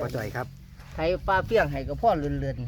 พ่อจ่อยครับไถปลาเปี้ยงให้กับพ่อเลื่อน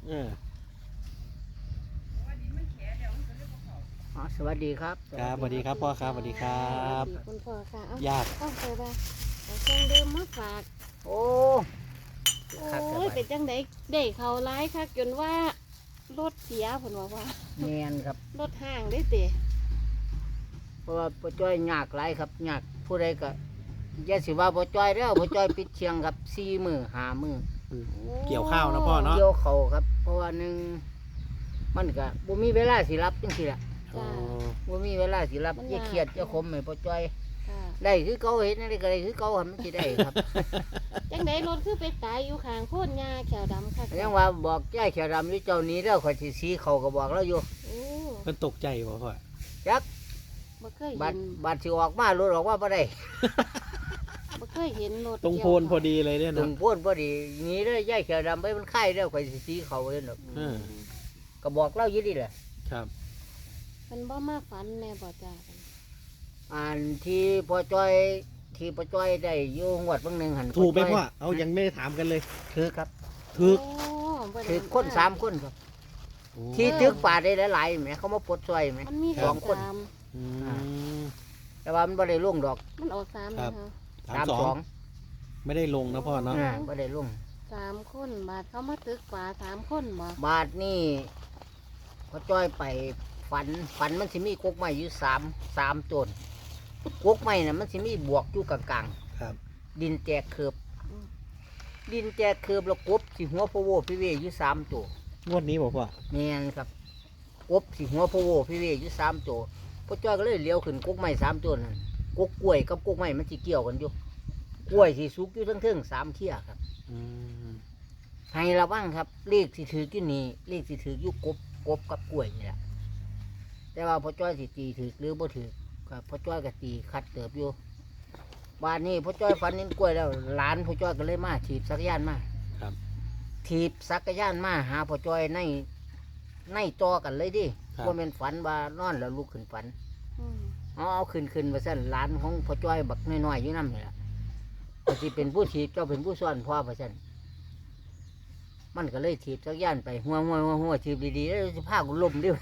สวัสดีครับครับสวัสดีครับพ่อครับสวัสดีครับคุณพ่อค่ะญาติเอาไปบ้างเอาเครื่องดื่มมาฝากโอ้ยเป็นจังไดได้เขาร้ายค่ะจนว่ารถเสียผลว่าแมนครับรถห่างได้เตะเพราะว่าพ่อจ้อยยากหลายครับยากผู้ใดก็อย่าสิว่าพ่อจ้อยแล้วพ่อจ้อยปิดเชียงครับ4 มื้อ5 มื้อเกี่ยวข้าวนะพ่อเนาะเกี่ยวเขาครับเพราะว่านึงมันก็บ่มีเวลาสิรับจังซี่ล่ะบ่มีเวลาสิรับอย่าเครียดอย่าขมให้พ่อจ้อยได้คือเก่าเห็นอะไรก็ได้คือเก่ามันสิได้ครับจังไดรถคือไปตายอยู่ข้างโคนหญ้าแขวดำค่ะยังว่าบอกยายแขวดำอยู่เจ้านี้แล้วข่อยสิสีเขาก็บอกแล้วอยู่เพิ่นตกใจบ่พ่อจักบ่เคยเห็นบัดสิออกมารถออกว่าบ่ได้บ่เคยเห็นรถตรงโพนพอดีเลยเนี่ยตรงโพนพอดีนี้เลยยายแขวดำไปมันไข่แล้วข่อยสิสีเขาเด้ดอกก็บอกเล่าอยู่นี่แหละครับมันบ่มาฝันแน่บ่จ้าที่พ่อจ้อยได้อยู่งวดบางนึงหั่นถูกไหมพ่อเอายังไม่ได้ถามกันเลยถือครับถือคน3 คนครับที่ตึกป่าได้หลายๆแหมเขามาปลดซอยแหม2 คนแต่ว่ามันบ่ได้ลงดอกมันออก3นะคะ 32 ไม่ได้ลงนะพ่อเนาะบ่ได้ลง 3 คนบาทเขามาตึกป่า3 คนบ่บาทนี่พ่อจ้อยไปฝันมันสิมีกกไม้อยู่3 ต้นกกไม้น่ะมันสิมีบวกอยู่กลางๆครับดินแตกเคือบแล้วกบสิหัวโพโวพี่เวอยู่3 ตัวงวดนี้บ่พ่อแม่นครับกบสิหัวโพโวพี่เวอยู่3 ตัวพ่อจ้อยก็เลยเลี้ยวขึ้นกกไม้3 ตัวนั่นกกกล้วยกับกกไม้มันสิเกี่ยวกันอยู่กล้วยสิสุกอยู่ทั้ง3 เที่ยครับให้ระวังครับเลขสิถืออยู่นี่เลขสิถืออยู่กบกับกล้วยนี่แหละแต่ว่าพ่อจ้อยสิตีถือหรือบ่ถือครับพ่อจ้อยก็ตีคัดเติบอยู่บ้านนี้พ่อจ้อยฝันเห็นกล้วยแล้วหลานพ่อจ้อยก็เลยมาถีบจักรยานมาครับถีบจักรยานมาหาพ่อจ้อยในต่อกันเลยดิว่าเป็นฝันว่านอนแล้วลุกขึ้นฝันเอาขึ้นมาสั่นหลานของพ่อจ้อยบักน้อยๆอยู่นั่นนี่แหละก็สิเป็นผู้ถีบเจ้าเป็นผู้ซ้อนพ่อพ่อสั่นมันก็เลยถีบจักรยานไปหัวถีบดีๆแล้วสิพากูล้มดิ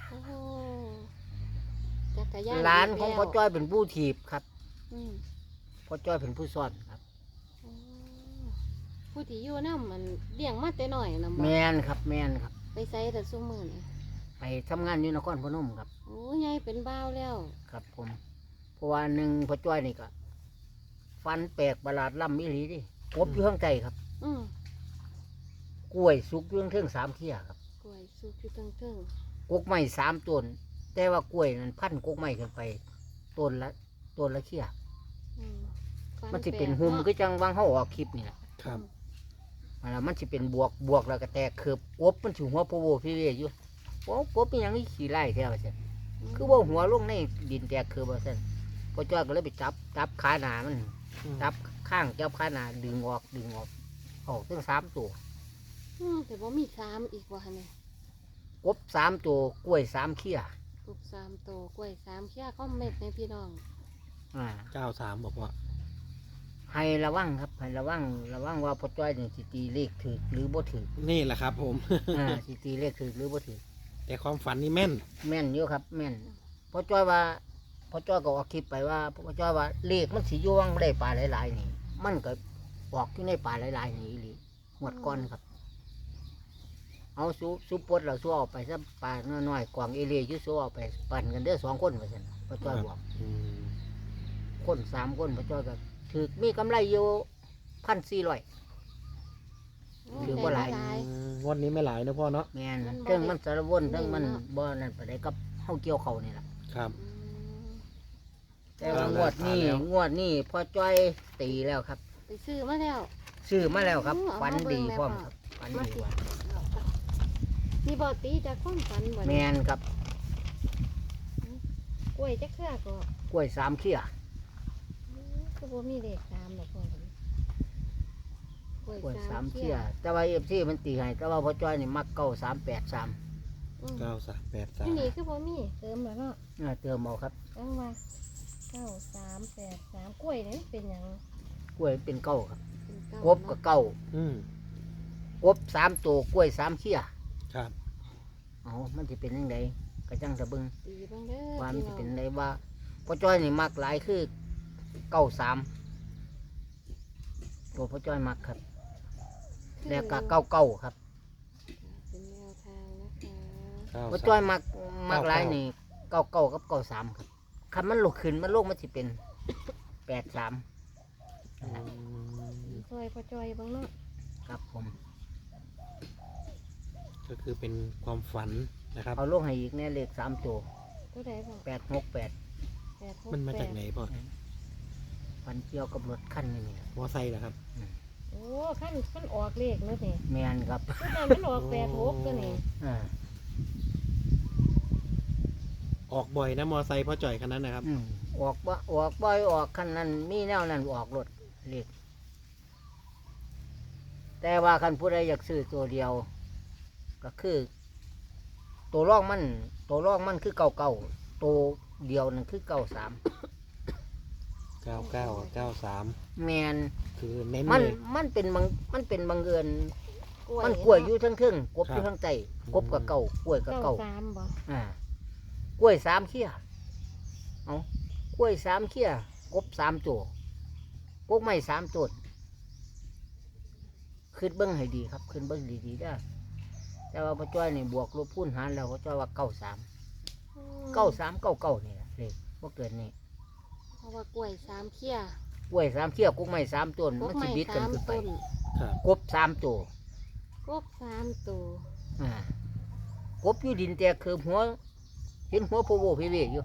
หลานของพ่อจ้อยเป็นผู้ถีบครับพ่อจ้อยเป็นผู้ซ้อนครับผู้ที่อยู่น้ำมันเลี้ยงมาแต่น้อยนะแมนครับไปใส่แต่ซุ้มมือนี่ไปทำงานอยู่นครพนมครับโอ้ยายเป็นบ้าวแล้วครับผมเพราะว่าหนึ่งพ่อจ้อยนี่ก็ฟันแปลกประหลาดล่ำมิลีดิกบอยู่ข้างใจครับกล้วยสุกอยู่ข้าง3 เที่ยครับกล้วยสุกอยู่ข้างกกไม้3 ต้นแต่ว่ากล้วยนั้นพันกกไม้ขึ้นไปต้นละเที่ยมันจะเป็นหุ่มก็จังวางเขาออกคลิปนี่แหละครับมันจะเป็นบวกแล้วก็แตกเขือบกบมันถือหัวโพโวพี่เวอยู่โอ้กบเป็นอย่างนี้ขี่ไล่แท้ว่าเช่นคือว่าหัวลงในดินแตกเขือบว่าเช่นพ่อจ้อยก็เลยไปจับขาหนามันจับข้างจับขาหนาดึงออกตั้ง3 ตัวแต่ว่ามี3อีกว่าเนี่ยกบ3 ตัวกล้วย3 เขี้ยกบ3 ตัวกล้วย3 เขี้ยก็เม็ดในพี่น้อง 93บอกว่าให้ระวังครับให้ระวังว่าพ่อจ้อยนี่สิตีเลขถือหรือบ่ถือนี่แหละครับผมสิตีเลขถือหรือบ่ถือแต่ความฝันนี่แม่นเยอะครับแม่นพ่อจ้อยก็ออกคลิปไปว่าพ่อจ้อยว่าเลขมันสิอยู่ว่างได้ปลาหลายๆนี่มันก็ออกอยู่ในปลาหลายๆนี่อีหลีหมดก้อนครับเอาซุปปดเราสู้ออกไปซะปลาน้อยๆกวางเอเลียอยู่สู้ออกไปปั่นกันเด้อ2 คนว่าซั่นพ่อจ้อยบอกคน3 คนพ่อจ้อยก็ถือมีกำไรอยู่1,400ถือบ่หลายวันนี้ไม่หลายนะพ่อเนาะแม่นเรื่องมันสารวนเรื่องมันบ่นั่นไปได้กับเฮาเกี่ยวเขานี่ล่ะครับแต่งวดนี้พ่อจ้อยตีแล้วครับไปซื้อมาแล้วครับฝันดีพร้อมครับฝันดีว่ามีบ่ตีจากความฝันบ่แม่นครับกล้วยจักเทื่อก็กล้วย3 เขี้ยก็บ่มีเลข3ดอกพ่อกล้วย3 เขี้ยแต่ว่า FC มันตีให้แต่ว่าพ่อจ้อยนี่มัก9383 9383 นี่คือบ่มีเติมแล้วเนาะเติมเอาครับจังว่า9383กล้วยนี่เป็นหยังกล้วยเป็นเก้าครับเป็นกบกับเก้าอืมกบ3ตัวกล้วย3เขี้ยครับเอามันจะเป็นยังไงกระจังสะบึงตีเบ้างเด้อว่ามันพี่จะน้องเป็นไรว่าพ่อจ้อยนี่มักหลายคือเก้าสามตัวพ่อจ้อยมักครับ แล้วก็เก้าเก้าครับเป็นแนวทางนะคะเก้าพ่อสาจ้อยมมักหลายนี่เก้าเก้ากับเก้าสามครับคันมันลุกขึ้นมันโลกมันจะเป็น83 อืมซอยพ่อจอยเบ้างเนาะครับผมก็คือเป็นความฝันนะครับเอาลงให้อีกเนี่ยเลข3ตัวตัวใดบอก 868 868 มันมาจากไหนพ่อฟันเกี่ยวกับรถคันนี่นะมอไซค์เหรอครับโอ้ขั้นออกเลขเนาะนี่แมนครับตัวนั้นมันออก86ตัวนี่อ่าออกบ่อยนะมอไซค์พ่อจ่อยคันนั้นนะครับออกบ่อยออกคันนั้นมีแนวนั้นออกรถเลขแต่ว่าคันผู้ใดอยากซื้อตัวเดียว ก็คือ ตัวร่องมันคือเก่าตัวเดียวนั่นคือ93 99กับ93 แมนคือเน้นมันเลยมันเป็นบังเอิญกล้วยมันกล้วยอยู่ทั้งครึ่งกบครับอยู่ทั้งใจกบกับเก่ากล้วยกับเก่า 93บ่กล้วย3เขี้ยเอากล้วย3เขี้ยกบ3ตัวกบไม้3ต้นขึ้นเบิ้งให้ดีครับขึ้นเบิ้งดีๆได้อแต่ว่าพ่อจ้อยนี่บวกลบคูณหารแล้วพ่อจ้อยว่า93 93 99นี่แหละเลขบ่เกินนี่เพราะว่ากล้วย3เขี้ยกล้วย3เขี้ยกบไม้3ต้นกมันบสิไม้บิดกันขึ้น 3 ไปต้นครับกบ3ตัวกบ3ตัวกบอยู่ดินแต่คือหัวเห็นหัวโพโวเพเวอยู่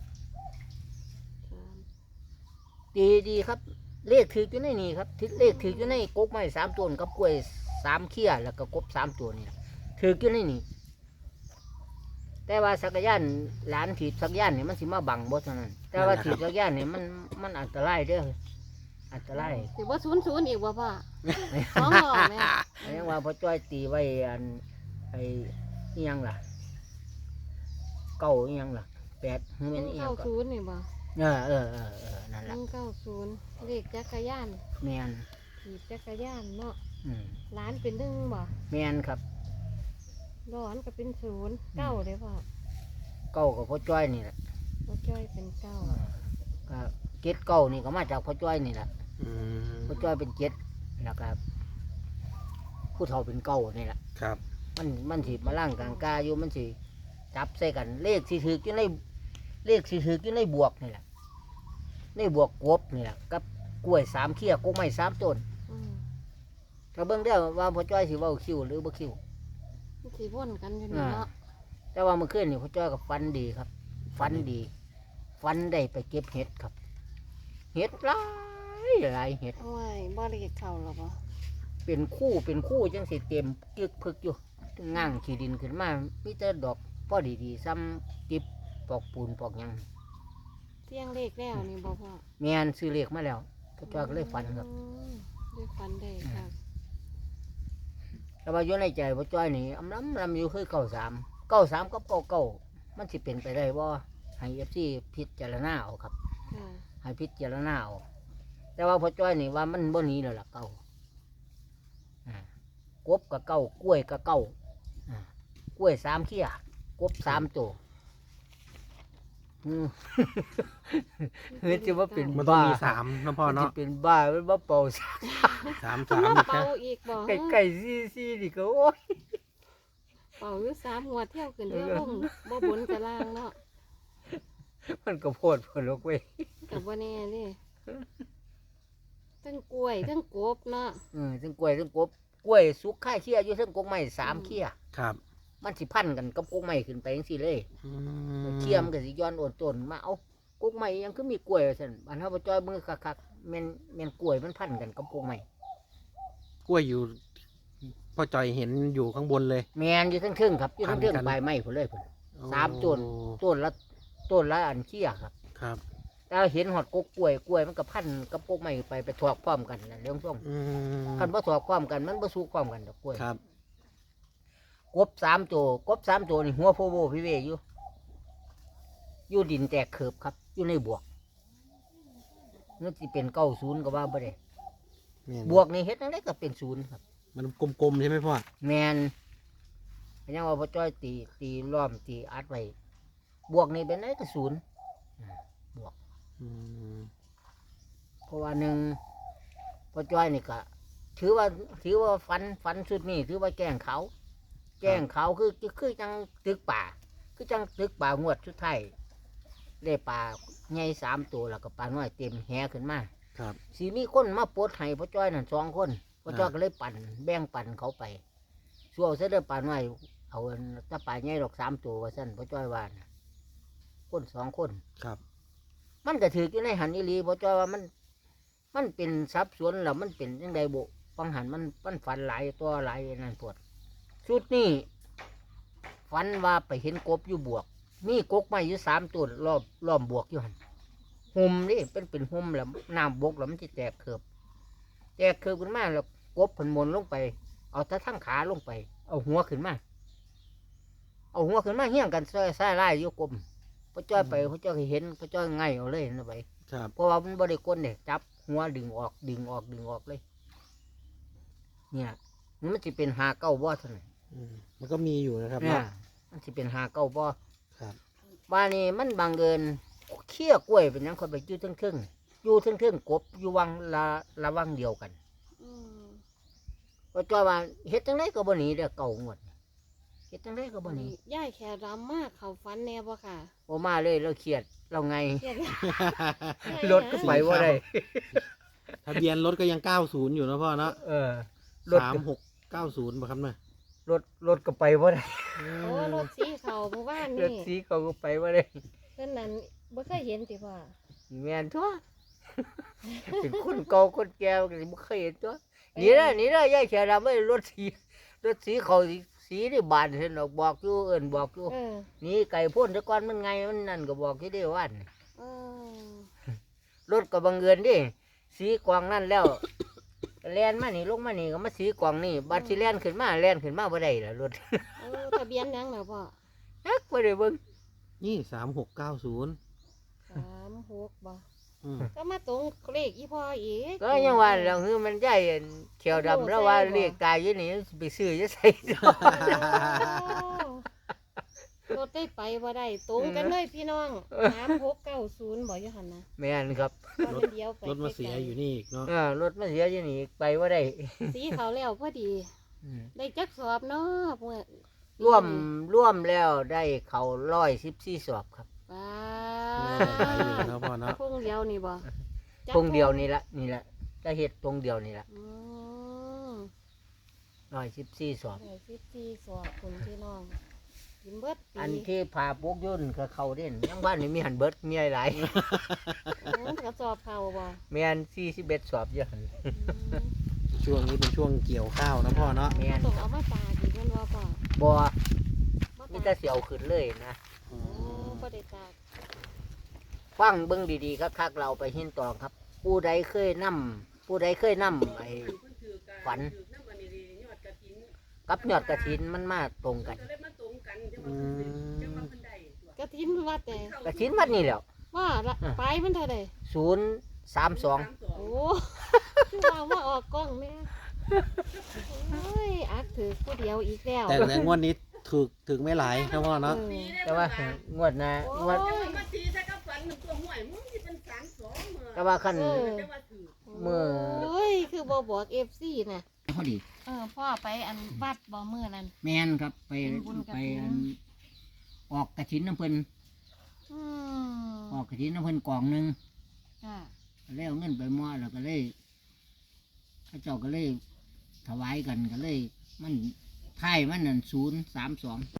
ดีครับ เลขถืออยู่ในนี่ครับเลขถืออยู่ในกบไม้3ต้นกับกล้วย3เขี้ยแล้วก็กบ3ตัวนี่ล่ะถืออยู่ในนี่แต่ว่าสักรยานหลานถีบสักรยานนี่มันสิมาบังบ่เท่านั้น แต่ว่าถีบสักรยานนี่มันอันตรายเด้ออันตรายสิบ่00อีกบ่พ่อสองรอบแม่ยังว่าพ่อจ้อยตีไว้อันไอ้อิหยังล่ะเก้าอิหยังล่ะ8คือแม่นอิหยังก็ 190นี่บ่นั่นล่ะ 190เลขจักรยานแม่นถีบจักรยานเนาะอืมล้านเป็น1บ่แม่นครับร้อนก็เป็น0 9เลยพ่อเก้ากับพ่อจ้อยนี่แหละพ่อจ้อยเป็น9 ก็เจ็ดเก้านี่ก็มาจากพ่อจ้อยนี่แหละอืมพ่อจ้อยเป็นเจ็ดแล้วก็ผู้เฒ่าเป็นเก้านี่แหละครับมันสิมาล่างกลางกาอยู่มันสิจับใส่กัน เลขสิถืออยู่ในเลขสิถืออยู่ในบวกนี่แหละในบวกกบนี่แหละกับกล้วย3เขี้ยกกไม้3ต้นอืมก็เบิ่งได้อว่าพ่อจ้อยสิเว้าคิวหรือบ่คิวมันสิวนกันอยู่นี่เนาะแต่ว่าเมื่อคืนนี่พ่อจ้อยก็ฟันดีครับฟันดีฟันได้ไปเก็บเห็ดครับ เห็ดหลายเห็ดโอ้ยบ่ได้เข้าหรอกบ่เป็นคู่จังสิเต็มกึกพึกอยู่ง่างขี้ดินขึ้นมามีแต่ดอกพอดีๆซ้ำติบปอกปูนปอกหยังเสียงเลขแล้วนี่บ่พ่อแม่นซื้อเลขมาแล้วพ่อจ้อยก็เลยฟันครับอืมได้ฟันได้ครับแต่ว่าอยู่ในใจพ่อจ้อยนี่อำลำอยู่คือ93กับ99มันสิเป็นไปได้บ่ให้ FC พิจารณาเอาครับค่ะให้พิจารณาเอาแต่ว่าพ่อจ้อยนี่ว่ามันบ่หนีแล้วล่ะเก่าอ่ากบกับเก่ากล้วยกับเก่าอ่ากล้วย3เขี้ยกบ3ตัวเฮ้ยจะว่าเป็นมันต้องบ้ามี3นะพ่อมันเนาะจะเป็นบ้ามันว่าเป่ามันมา 3 เป่าอีกบ่ไก่ซี่นี่ก็โอ้ยเป่าอยู่3หัวเที่ยวขึ้นเที่ยวลงบ่บนกับล่างเนาะมันก็โพดเพิ่นลกเว้ยก็บ่แน่เด้ทั้งกล้วยทั้งกบเนาะทั้งกล้วยทั้งกบกล้วยสุกค่าเขี้ยอยู่ทั้งกกไม้3เขี้ยครับมันสิพันกันกับกกไม้ขึ้นไปจังซี่เลยอืมเขี้ยมนก็สิย้อนโอนต้นมาเอากกไม้ยังคือมีกล้วยว่าซั่นอันเฮาบ่จ้อยมือคักๆแม่นกล้วยมันพันกันกับกกไม้กล้วยอยู่พ่อจ่อยเห็นอยู่ข้างบนเลยแม่นอยู่ทั้งเทิงครับอยู่ทั้งเทิงพันกันใบไม้พุ่นเลยพุ่นโอ้ 3ต้นต้นละอันเขี้ยครับครับแต่เห็นหอดกกล้วยมันก็พันกับกกไม้ไปถอกพร้อมกันนั่นเรื่องส่งอืมคันบ่ถอกพร้อมกันมันบ่สู้พร้อมกันดอกกล้วยครับกบ3ตัวนี่หัวโพโวพี่เวอยู่ดินแตกเขิบครับอยู่ในบวกนั่นสิเป็น90ก็ว่าบ่ได้นแม่นบวกนี่เฮ็ดจังไดก็เป็นศูนย์ครับมันกลมๆใช่ไหมพ่อแมนยังว่าพ่อจ้อยตีล้อมตีอัดไว้บวกนี่เป็นไงก็ศูนย์บวกอืมเพราะว่าหนึ่งพ่อจ้อยนี่ก็ถือว่าฟันสุดนี่ถือว่าแกล้งเขาคือจังตึกป่าคือจังตึกป่างวดสุดท้ายได้ป่าใหญ่3 ตัวแล้วก็ป่าน้อยเต็มแหขึ้นมาครับสีมีคนมาปลดให้พ่อจ้อยนั่น2 คนพ่อจ้อยก็เลยแบ่งปันเขาไปช่วงเสด็จป่าน้อยเอาถ้าป่าใหญ่ดอก3 ตัวว่าสั้นพ่อจ้อยว่านะคน2 คนครับมันก็ถืออยู่ในหันอีหลีพ่อจ้อยว่ามันเป็นทรัพย์สวนแล้วมันเป็นยังไงบุฟังหันมันฝันหลายตัวหลายนั่นปวดชุดนี้ฝันว่าไปเห็นกบอยู่บวกมีกกไม้อยู่3 ตัวรอบบวกอยู่หันหุ่มนี่เป็นหุ่มแล้วน้ำบกแล้วมันจะแตกเขือบขึ้นมาแล้วกบผนมนลงไป เอาแต่ทั้งขาลงไป เอาหัวขึ้นมาเฮี้ยงกันใส่ไล่อยู่กลมพระจ้อยไปพระจ้อยเห็นพระจ้อยไงเอาเลยนะไปครับเพราะว่ามันบริกลเนี่ยจับหัวดึงออกเลย เนี่ยมันจะเป็น59 บ่เท่านั้นอืมมันก็มีอยู่นะครับเนี่ยเนาะมันจะเป็น59 บ่ครับบ้านนี้มันบางเกินเคี้ยกล้วยเป็นหยังคนไปอยู่เทึ่งกบอยู่วังละวังเดียวกันอืมพระจ้อยว่าเฮ็ดจังไดก็บ่หนีเด้อเก่างวดเฮ็ดจังไดก็บ่หนีย่ายแค่รำมากเขาฟันแน่บ่ค่ะบ่มาเลยเราเครียดเราไงเครียดรถก็ไปว่าได้ทะเบียนรถก็ยัง90อยู่นะพ่อเนาะรถ 3690ป่ะครับเนี่ยรถก็ไปว่าได้โอ้รถสีเขาเมื่อวานรถนี่สีเขาก็ไปว่าได้เพิ่นนั้นบ่เคยเห็นติพ่อแม่นทั่ว เป็นคนเก่าคนแก่ก็บ่เคยเห็นตัวนี่ละยายเขียวดำไว้รถสีเขาสีนี่บานเห็นดอกบอกอยู่บอกอยู่เออนี่ไก่พ่นแต่ก่อนมันไงมันนั่นก็บอกที่ได้ว่านเออรถก็บังเอิญดิสีกวางนั่นแล้ว แล่นมานี่ลงมานี่ก็มาสีกวางนี่บัดสิแล่นขึ้นมาบ่ได้ล่ะรถเออทะเบียนหยังน่ะพ่อนักบ่ได้เบิ่งนี่3690 36บ่อืมก็มาตรงเลขอีพ่ออีกก็ยังว่าแล้วคือมันใหญ่เขียวดำแล้วว่าเรียกกายอยู่นี่ไปซื้อจะใส่รถได้ไปบ่ได้ตรงกันเลยพี่น้อง3690บ่อยู่หั่นนะแม่นครับว่ามันเดียวไปรถมาเสียอยู่นี่อีกเนาะรถมาเสียอยู่นี่ไปว่าได้สีเขาแล้วพอดี ได้จักสอบเนาะเมื่อร่วมแล้วได้เขา114 สอบครับป้าหลายอยู่นะพ่อเนาะพงเดียวนี่บ่จักตรงเดียวนี่ละจะเฮ็ดตรงเดียวนี่ละอืม 114 สอบได้14สอบคุณพี่น้องกินเบิดปีอันที่ผ่าปกยุ่นก็เขาเด่นยังบ้านนี่มีหันเบิดมีหลายกระสอบเขาบ่แม่น41 สอบอยู่หั่นอืมช่วงนี้เป็นช่วงเกี่ยวข้าวนะพ่อเนาะแม่นต้องเอามาตากอีกแม่นบ่พ่อบ่บ่มีตากแต่เสียวขึ้นเลยนะโอ้บ่ได้ตากฟังเบิ่งดีๆคักๆเราไปหินตองครับ ผู้ใดเคยนำไอ้ฝันกับยอดกระถินมันมาตรงกันอืมกระถินวัดแต่กระถินวัดนี่แหล้วว่าละไปมันเท่าใด 032 โอ้คือว่ามาออกกล้องแม่โอ้ยอักถือผู้เดียวอีกแล้วแต่ในงวดนี้ถึกไม่หลายนะพ่อเนาะแต่ว่างวดนะงวดมาตีใส่กับฝันหนึ่งตัวห่วยมึงสิเป็น32มื้อแต่ว่าคันจะว่าถือมื้อโอ้ยคือบ่บอก FC น่ะพอดีพ่อไปอันวัดบ่มื้อนั้นแม่นครับไปเป็นบุญกฐินไปอันออกกระถินน้ำเพิ่นอืมออกกระถินน้ำเพิ่นกล่องหนึงจ้ะก็เลยเอาเงินไปมอแล้วก็เลยพระเจ้าก็เลยถวายกันก็เลยมันไพ่มันนั่น032